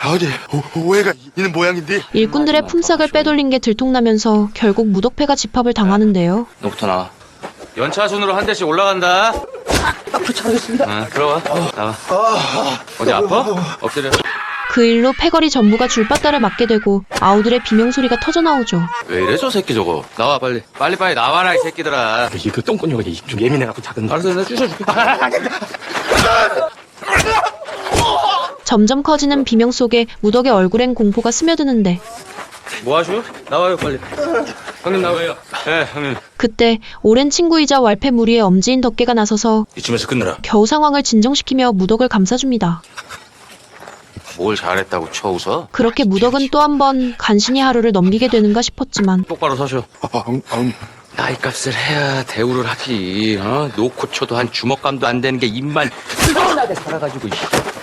어디 오해가 있는 모양인데. 일꾼들의 품삯을 빼돌린 게 들통나면서 결국 무덕패가 집합을 당하는데요. 너부터 나와. 연차 순으로 한 대씩 올라간다. 잘하겠습니다. 들어와. 나와. 어디 아파? 엎드려. 그 일로 패거리 전부가 줄바따를 맞게 되고 아우들의 비명소리가 터져나오죠. 왜 이래 저 새끼 저거. 나와 빨리. 빨리 나와라 이 새끼들아. 그 똥꼬녀가 좀 예민해갖고 작은. 알았어 내가 쑤셔줄게. 점점 커지는 비명 속에 무덕의 얼굴엔 공포가 스며드는데 뭐 하슈? 나와요 빨리. 형님 나와요. 네 형님. 그때 오랜 친구이자 왈패 무리의 엄지인 덕계가 나서서 이쯤에서 끝내라. 겨우 상황을 진정시키며 무덕을 감싸줍니다. 뭘 잘했다고 쳐 웃어? 그렇게 무덕은 또 한 번 간신히 하루를 넘기게 되는가 싶었지만 똑바로 서셔. 나이값을 해야 대우를 하지. 놓고 쳐도 한 주먹감도 안 되는 게 입만 뜨거나게 살아가지고.